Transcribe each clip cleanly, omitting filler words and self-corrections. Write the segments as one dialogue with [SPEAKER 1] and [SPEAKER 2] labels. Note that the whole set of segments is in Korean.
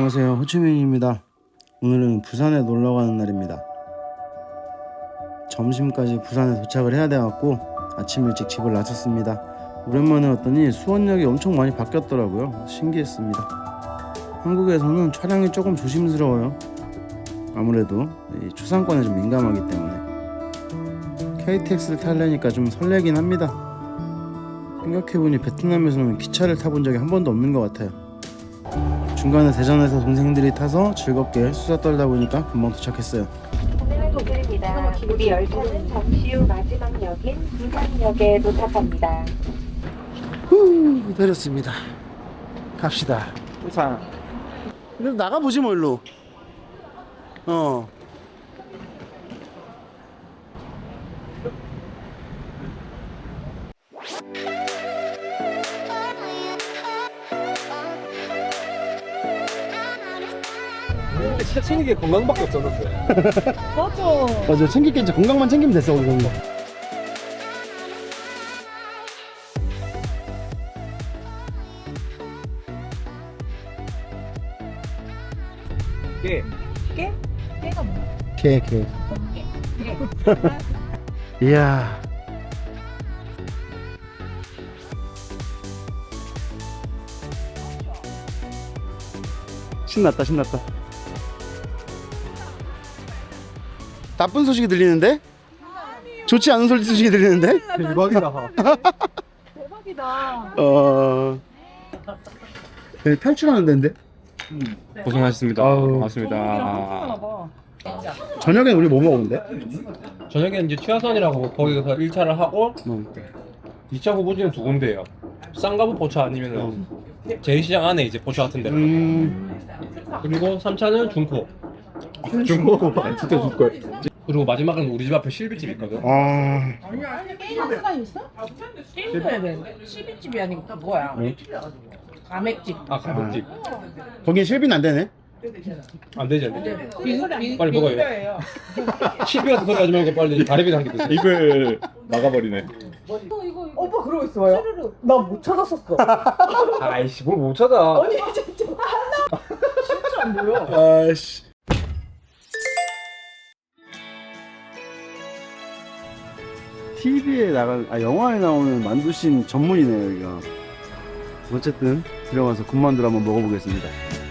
[SPEAKER 1] 안녕하세요, 호치민입니다. 오늘은 부산에 놀러 가는 날입니다. 점심까지 부산에 도착을 해야 돼갖고 아침 일찍 집을 나섰습니다. 오랜만에 왔더니 수원역이 엄청 많이 바뀌었더라고요. 신기했습니다. 한국에서는 차량이 조금 조심스러워요. 아무래도 이 초상권에 좀 민감하기 때문에 KTX를 타려니까 좀 설레긴 합니다. 생각해보니 베트남에서는 기차를 타본 적이 한 번도 없는 것 같아요. 중간에 대전에서 동생들이 타서 즐겁게 수다 떨다 보니까 금방 도착했어요.
[SPEAKER 2] 오늘 도착입니다. 우리 열차는 잠시 후 마지막 역인 부산역에 도착합니다.
[SPEAKER 1] 후, 내렸습니다. 갑시다. 부산. 그래도 나가보지 뭐 일로.
[SPEAKER 3] 진짜 챙긴 게 건강밖에 없었는데.
[SPEAKER 1] 맞아, 챙길 게 이제 건강만 챙기면 됐어, 거기.
[SPEAKER 3] 깨.
[SPEAKER 2] 깨가 뭐야?
[SPEAKER 1] 개. 이야. 신났다. 나쁜 소식이 들리는데? 좋지 않은 소식이 들리는데?
[SPEAKER 3] 대박이다.
[SPEAKER 2] 대박이다.
[SPEAKER 1] 탈출하는 데인데?
[SPEAKER 3] 고생하셨습니다. 반갑습니다.
[SPEAKER 1] 저녁엔 우리 뭐 먹었는데?
[SPEAKER 3] 저녁에 이제 취하선이라고 거기서 1차를 하고 2차 후보지는 두 군데예요. 쌍가부 포차 아니면은 제2시장 안에 이제 포차 같은 데. 그리고 3차는 중코.
[SPEAKER 1] 중고 진짜 줄걸.
[SPEAKER 3] 그리고 마지막은 우리 집 앞에 실비집 있거든.
[SPEAKER 4] 게임 시간 있어? 게임 해야 되는데 12집이 아니고 뭐야? 가맥집.
[SPEAKER 3] 아 가격집.
[SPEAKER 1] 거긴 실비는 안 되네.
[SPEAKER 3] 안 되지 안 되지. 빨리 먹어요.
[SPEAKER 4] 거예요.
[SPEAKER 3] 시비 같은 소리 하지 말고 빨리 가리비 한개 드세요.
[SPEAKER 5] 입을 막아버리네.
[SPEAKER 4] 오빠 그러고 있어요? 나 못 찾았었어.
[SPEAKER 3] 아이씨 뭘 못 찾아.
[SPEAKER 4] 아니 진짜 진짜 안 보여.
[SPEAKER 1] 아씨. TV에 영화에 나오는 만두신 전문이네요, 여기가. 어쨌든 들어가서 군만두를 한번 먹어보겠습니다.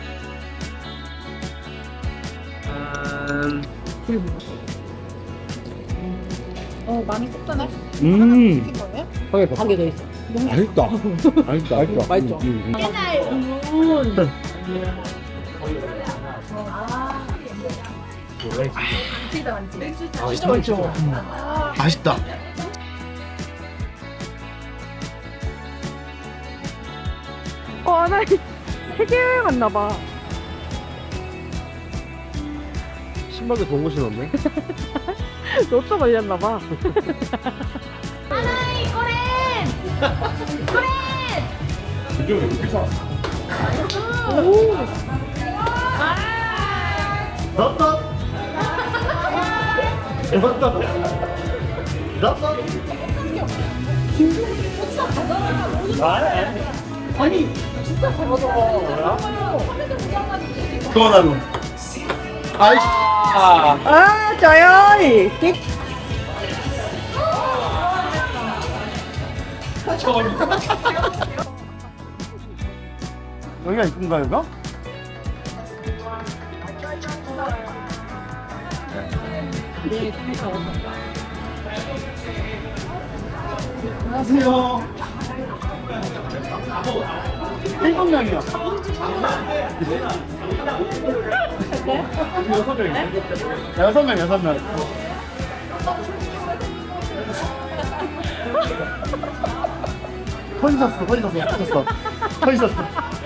[SPEAKER 4] 많이 섞잖아.
[SPEAKER 3] 한개
[SPEAKER 4] 더 있어.
[SPEAKER 1] 맛있다.
[SPEAKER 4] 맛있죠?
[SPEAKER 1] 진짜 맛있죠. 맛있다.
[SPEAKER 6] 나 세계 여행 갔나봐.
[SPEAKER 3] 신발도 좋은 곳이 없네.
[SPEAKER 6] 로또 걸렸나봐.
[SPEAKER 5] 이쪽은 이렇게 사.
[SPEAKER 1] 소원하루. 아이씨.
[SPEAKER 6] 저요.
[SPEAKER 1] 여기가 이쁜가, 여기가? 안녕하세요. 7명이요. 6명. 서 있었어.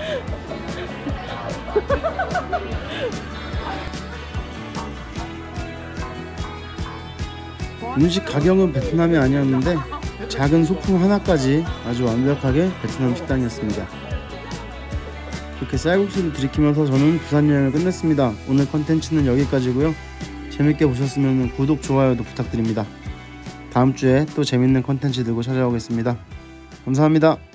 [SPEAKER 1] 음식 가격은 베트남이 아니었는데 작은 소품 하나까지 아주 완벽하게 베트남 식당이었습니다. 이렇게 쌀국수를 들이키면서 저는 부산 여행을 끝냈습니다. 오늘 컨텐츠는 여기까지고요. 재밌게 보셨으면 구독, 좋아요도 부탁드립니다. 다음 주에 또 재밌는 컨텐츠 들고 찾아오겠습니다. 감사합니다.